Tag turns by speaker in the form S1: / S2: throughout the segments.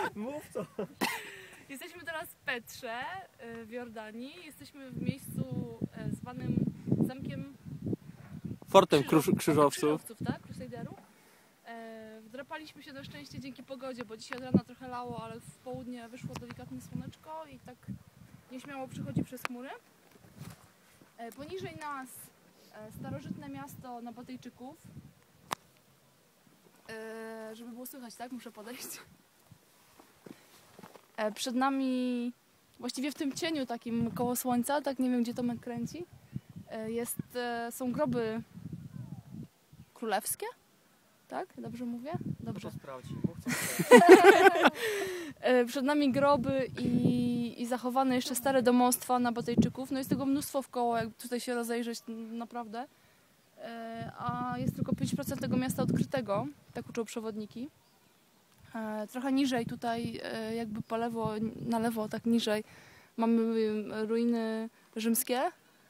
S1: Mów co.
S2: Jesteśmy teraz w Petrze w Jordanii. Jesteśmy w miejscu zwanym Zamkiem
S3: Fortem Krzyżowców.
S2: Tak? Crusaderów. Wdrapaliśmy się na szczęście dzięki pogodzie, bo dzisiaj od rana trochę lało, ale w południe wyszło delikatne słoneczko i tak nieśmiało przychodzi przez chmury. Poniżej nas starożytne miasto Nabatejczyków. Żeby było słychać, tak? Muszę podejść. Przed nami, właściwie w tym cieniu takim koło słońca, tak nie wiem gdzie Tomek kręci, są groby królewskie, tak? Dobrze mówię? Dobrze.
S1: Sprawdź.
S2: Przed nami groby i zachowane jeszcze stare domostwa Nabatejczyków. No jest tego mnóstwo wkoło, jak tutaj się rozejrzeć naprawdę. A jest tylko 5% tego miasta odkrytego, tak uczą przewodniki. Trochę niżej tutaj, jakby po lewo, na lewo, tak niżej, mamy ruiny rzymskie.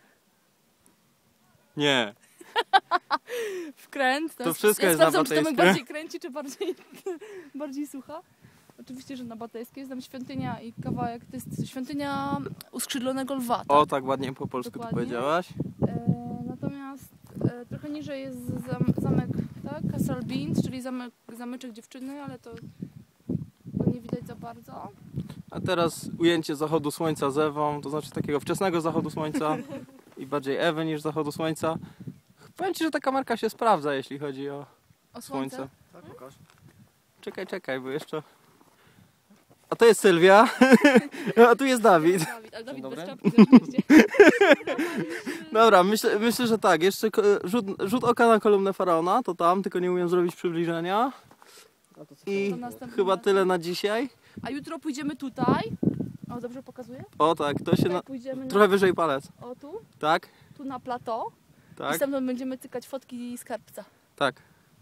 S3: Nie.
S2: Wkręt.
S3: To wszystko jest
S2: sprawdzam, czy Tomek
S3: nabatejskie.
S2: bardziej kręci, czy bardziej słucha. Oczywiście, że nabatejskie. Jest tam świątynia i kawałek, to jest świątynia uskrzydlonego lwa. Tak?
S3: O, tak ładnie po polsku to
S2: Dokładnie.
S3: powiedziałaś.
S2: Natomiast trochę niżej jest zamek, tak? Castle Beans, czyli zamyczek dziewczyny, ale to nie widać za bardzo.
S3: A teraz ujęcie zachodu słońca z Ewą, to znaczy takiego wczesnego zachodu słońca i bardziej Ewy niż zachodu słońca. Powiem Ci, że ta kamerka się sprawdza, jeśli chodzi o słońce.
S1: Tak, pokaż.
S3: Czekaj, bo jeszcze... A to jest Sylwia, a tu jest Dawid.
S2: Ale Dawid
S3: Dzień
S2: bez
S3: dobry.
S2: czapki oczywiście.
S3: Dobra, myślę, że tak. Jeszcze rzut oka na kolumnę Faraona, to tam, tylko nie umiem zrobić przybliżenia. I
S2: To następny
S3: chyba
S2: raz.
S3: tyle na dzisiaj.
S2: A jutro pójdziemy tutaj. O, dobrze pokazuję?
S3: O tak, to się
S2: Tutaj pójdziemy
S3: trochę wyżej palec.
S2: o tu,
S3: Tak,
S2: tu na plateau. I
S3: tak,
S2: stamtąd będziemy cykać fotki skarbca.
S3: tak.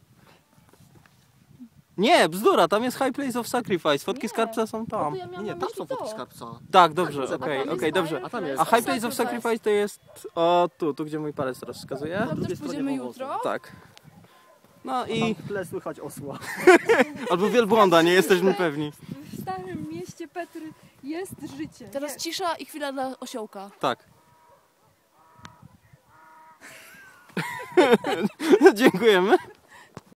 S3: Nie, bzdura, tam jest High Place of Sacrifice. Fotki
S2: Nie.
S3: skarbca są
S2: O,
S3: tam.
S2: to ja miałam
S1: Nie,
S2: na
S1: tam
S2: myśli
S1: są fotki
S2: to.
S1: skarbca.
S3: Tak, dobrze,
S1: Tak,
S3: okej,
S2: tam jest
S3: dobrze.
S1: A tam jest.
S3: A High Place of Sacrifice to jest o tu gdzie mój palec teraz wskazuje.
S2: Tam
S1: drugiej
S2: też
S1: stronie
S2: pójdziemy
S1: powozu.
S2: jutro.
S3: Tak. No
S1: I
S3: i...
S1: w tle słychać osła.
S3: Albo wielbłąda, nie jesteśmy pewni.
S4: W starym mieście Petry jest życie.
S2: Teraz cisza i chwila dla osiołka.
S3: Tak. Dziękujemy.